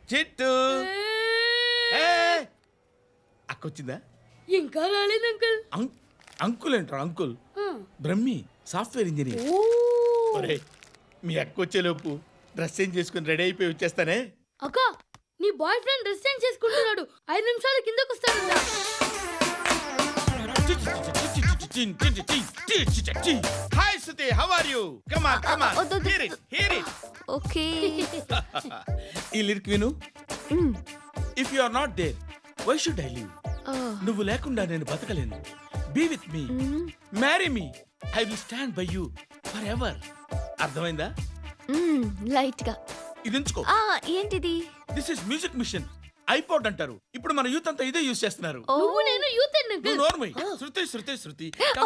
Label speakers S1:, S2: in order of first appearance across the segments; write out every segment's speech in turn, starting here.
S1: చిట్టు అక్కొచ్చిందా?
S2: ఇంకా రాలేదు అంకుల్.
S1: అంకుల్ ఏంట్రా అంకుల్? Brahmi software engineer. ఒరేయ్, మీ అక్కొచ్చేలోపు డ్రెస్ చేంజ్ చేసుకుని రెడీ అయిపోయి వచ్చేస్తానే.
S2: అక్క, నీ బాయ్ ఫ్రెండ్ డ్రెస్ చేంజ్ చేసుకుంటున్నాడు. 5 నిమిషాలు కిందకు వస్తాడంట.
S1: Hi Shruti, how are you? Come on come on, hear it.
S3: Okay.
S1: ఈ లిరిక్ విను. If you are not there why should I live? నువ్వు లేకుండా నేను బతకలేను. Be with me, marry me, I will stand by you forever. అర్థమైందా?
S3: Light గా.
S1: ఇది ఉంచుకో.
S3: ఏంటిది?
S1: This is music machine. IPod అంటారు. ఇప్పుడు మన యూత్ అంతా ఇదే యూస్ చేస్తున్నారు.
S2: నువ్వు నేను యూత్ అంకుల్.
S1: నోర్మై. శృతి శృతి శృతి.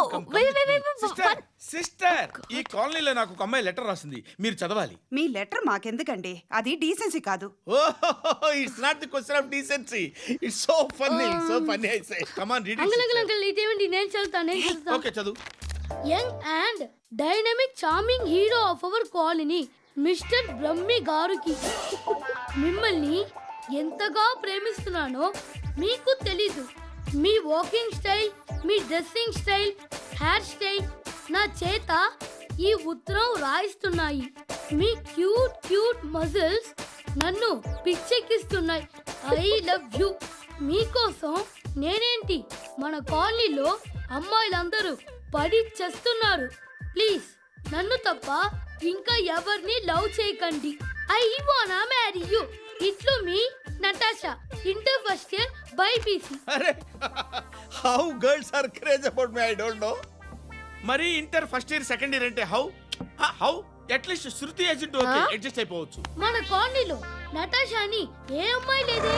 S3: Wait.
S1: సిస్టర్, ఈ కాలనీలో నాకు ఒక అమ్మాయి లెటర్ రాసింది, మీరు చదవాలి.
S4: మీ లెటర్ మాకెందుకండి? అది డీసెన్సీ కాదు.
S1: It's not the question of decency. It's so funny I say. Come on read
S2: uncle
S1: it.
S2: Uncle ఇదేంటి? నేను చదువుతా.
S1: ఓకే చదువు.
S2: Young and dynamic charming hero of our colony mister Brahmi గారికి మిమ్మల్ని ఎంతగా ప్రేమిస్తున్నానో మీకు తెలీదు. మీ వాకింగ్ స్టైల్, మీ డ్రెస్సింగ్ స్టైల్, హెయిర్ స్టైల్ నా చేత ఈ ఉత్తరం రాయిస్తున్నాయి. మీ క్యూట్ మజిల్స్ నన్ను పిచ్చెక్కిస్తున్నాయి. I love you. మీకోసం నేనేంటి, మన కాలనీలో అమ్మాయిలందరూ పడి చేస్తున్నారు. ప్లీజ్ నన్ను తప్ప ఇంకా ఎవరిని లవ్ చేయకండి. ఐ వానా మ్యారీ యూ. ఇట్లు మీ Natasha, inter first year BiPC.
S1: అరే, how girls are craze about me I don't know. మరి inter first year second year అంటే how at least Shruti agent okay adjust అయిపోవచ్చు.
S2: మన కాలనీలో నటాషా అని ఏ అమ్మాయి లేదే.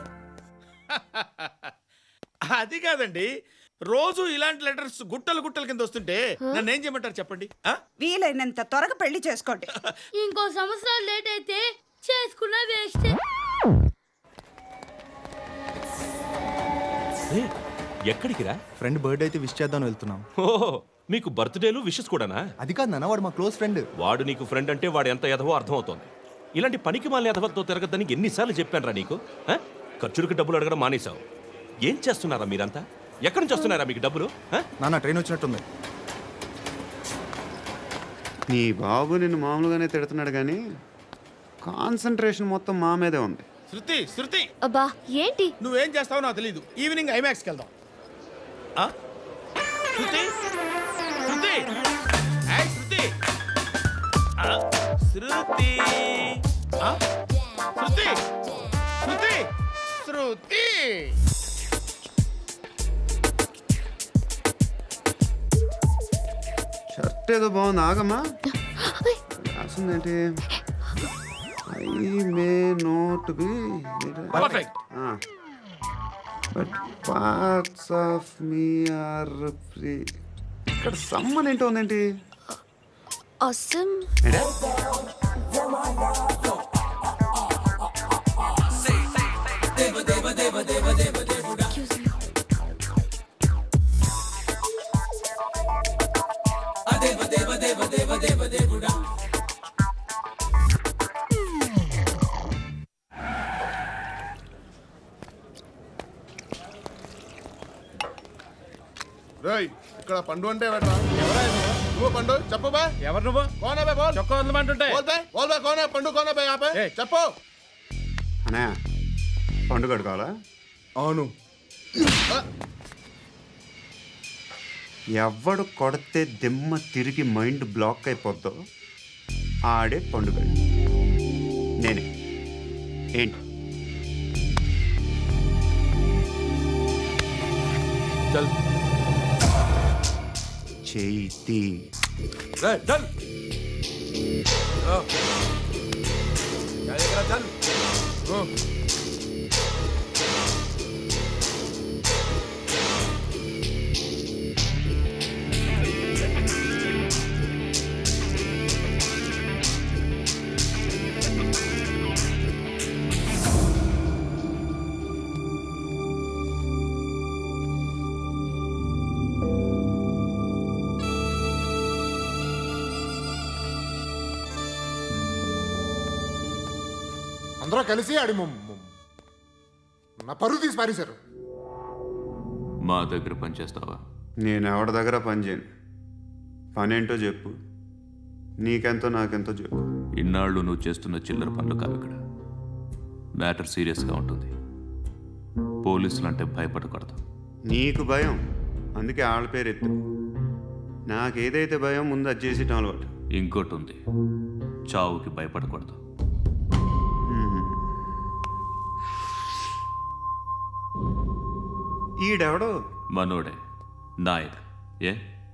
S1: అది కాదండి, రోజు ఇలాంటి లెటర్స్ గుట్టలు కింద వస్తుంటే నన్ను ఏం చేయమంటారు చెప్పండి?
S4: వీలైనంత త్వరగా పెళ్లి చేసుకోండి.
S2: ఇంకో సంవత్సరాలు లేట్ అయితే చేసుకున్న వేస్ట్.
S5: ఎక్కడికి రా?
S6: ఫ్రెండ్ బర్త్డే అయితే విష్ చేద్దాం వెళ్తున్నాం.
S5: ఓహో, మీకు బర్త్డేలు విషెస్ కూడానా?
S6: అది కాదు నాన్న, వాడు మా క్లోజ్ ఫ్రెండ్.
S5: వాడు నీకు ఫ్రెండ్ అంటే వాడు ఎంత ఎదవో అర్థమవుతోంది. ఇలాంటి పనికి మాలిన ఎదవతో తిరగద్దని ఎన్నిసార్లు చెప్పాను రా నీకు? ఖర్చులకు డబ్బులు అడగడం మానేశావు. ఏం చేస్తున్నారా మీరంతా? ఎక్కడి నుంచి వస్తున్నారా మీకు డబ్బులు?
S6: నాన్న ట్రైన్ వచ్చినట్టుంది.
S7: నీ బాబు నిన్ను మామూలుగానే తిడుతున్నాడు కానీ కాన్సన్ట్రేషన్ మొత్తం మా మీదే ఉంది.
S1: శృతి
S3: అబ్బా ఏంటి?
S1: నువ్వేం చేస్తావో నాకు తెలీదు. ఈవినింగ్ ఐమాక్స్కి వెళ్దాం. శృతి శృతి ఏయ్ శృతి శృతి శృతి శృతి శృతి.
S7: షర్ట్ ఏదో బాగుంది, ఆగమ్మా. రాసిందేంటి? I may not be
S1: perfect.
S7: But parts of me are free. ఇక్కడ సమ్మన్ ఏంటో ఉందేంటి?
S3: అసమ్.
S8: ఇక్కడ పండు అంటే నువ్వు పండు చెప్పు బా.
S1: ఎవరు నువ్వు?
S8: కోనా బే బోల్.
S1: చొక్కా వదలమంటుంటే
S8: బోల్ బే కోనా పండు కోనా బే ఆపే చెప్పు.
S7: అనే పండుగ కావాలా?
S8: అవును.
S7: ఎవడు కొడితే దిమ్మ తిరిగి మైండ్ బ్లాక్ అయిపోద్దో ఆడే పండుగ. నేనే. ఏంటి?
S1: చల్
S7: చేతి
S1: చల్ చల్.
S8: అందరూ కలిసి నా పరువు తీసి పారేశారు.
S9: మా దగ్గర పనిచేస్తావా?
S7: నేను ఎవరి దగ్గర పని చేయను. పనేంటో చెప్పు, నీకెంతో నాకెంతో చెప్పు.
S9: ఇన్నాళ్ళు నువ్వు చేస్తున్న చిల్లర పనులు కావు ఇక్కడ. మ్యాటర్ సీరియస్గా ఉంటుంది. పోలీసులు అంటే భయపడకూడదు.
S7: నీకు భయం, అందుకే ఆళ్ళ పేరు ఎత్తు. నాకేదైతే భయం ముందు అది చేసేటం అలవాటు.
S9: ఇంకోటి ఉంది, చావుకి భయపడకూడదు.
S7: ఈడెవడో
S9: మనోడే నాయక్. ఏ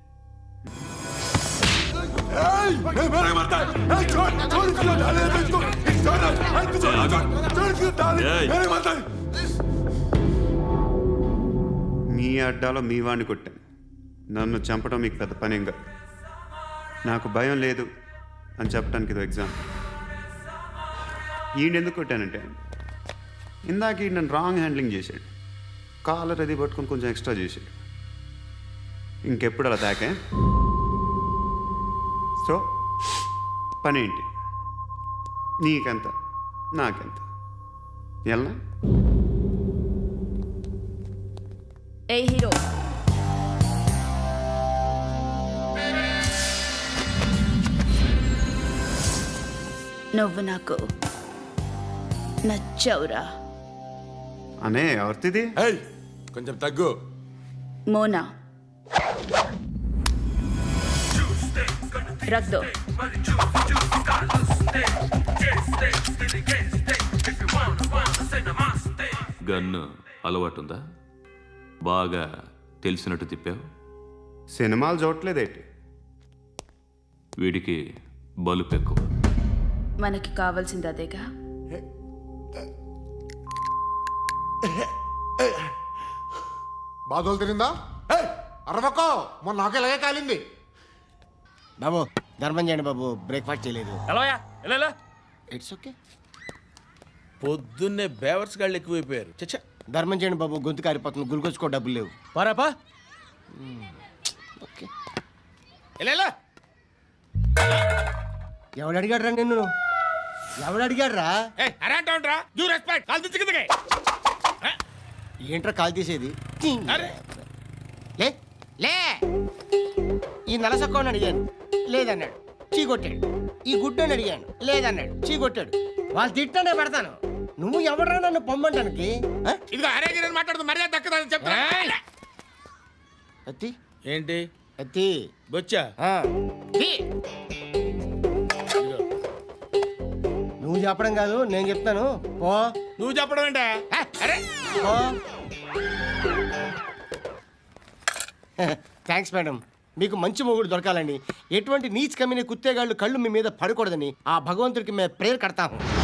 S7: మీ అడ్డాలో మీ వాడిని కొట్టాను. నన్ను చంపడం మీకు పెద్ద పనేం కాదు. నాకు భయం లేదు అని చెప్పడానికి ఇది ఎగ్జామ్. ఈయనెందుకు కొట్టానంటే ఇందాక ఈ నన్ను రాంగ్ హ్యాండ్లింగ్ చేశాడు. కాలర్ అది పట్టుకొని కొంచెం ఎక్స్ట్రా చేశాడు. ఇంకెప్పుడు అలా తాకే. సో పనేంటి, నీకెంత నాకెంత ఎలా?
S3: ఏ హీరో, నువ్వు నాకు నచ్చవురా.
S7: అనే ఎవరిది?
S8: కొంచెం తగ్గు.
S3: మోనా రక్ దో.
S9: గన్ను అలవాటుందా? బాగా తెలిసినట్టు తిప్పావు.
S7: సినిమాలు చూడట్లేదేంటి?
S9: వీడికి బలుపు ఎక్కువ.
S3: మనకి కావాల్సింది అదేగా.
S8: బాధలు తిరిందా? అరవకో, మొన్న నాకు ఇలాగే కాలింది.
S10: బాబు ధర్మం చేయండి బాబు, బ్రేక్ఫాస్ట్ చేయలేదు.
S1: ఎలా
S10: ఇట్స్ ఓకే.
S1: పొద్దున్నే బేవర్స్ గాళ్ళు ఎక్కువైపోయారు. చచ్చా,
S10: ధర్మం చేయండి బాబు, గొంతు కారిపోతుంది, గురికొచ్చుకో డబ్బులు లేవు.
S1: పారాపా.
S10: ఓకే.
S1: ఎలా
S10: ఎవడు అడిగాడు రా నిన్ను? ఎవడు అడిగాడు రా?
S1: అరేంటా యూ రెస్పెక్ట్ కాల్ తెచ్చి కిందకి.
S10: ఏంట్రా కాల్ తీసేది?
S1: అరే
S10: లే లే. ఈ నలసక్కని అడిగాను, లేదన్నాడు, చీ కొట్టాడు. ఈ గుడ్డని అడిగాను, లేదన్నాడు, చీ కొట్టాడు. వాళ్ళు తిట్టానే పెడతాను. నువ్వు ఎవడరా నన్ను పొమ్మంటానికి?
S1: ఇదిగో అరే గిరని మాట్లాడుతూ మర్యాద దక్కదని చెప్తా.
S10: అత్తి
S1: ఏంటి
S10: అత్తి
S1: బొచ్చా?
S10: నువ్వు చెప్పడం కాదు, నేను చెప్తాను. పో.
S1: నువ్వు చెప్పడం ఏంటే? అరే
S10: పో. Thanks madam. మీకు మంచి మొగుడు దొరకాలని, ఎటువంటి నీచ్ కమ్మిన కుత్తేగాళ్ళు కళ్ళు మీ మీద పడకూడదని ఆ భగవంతుడికి మేము ప్రేయర్ కడతాము.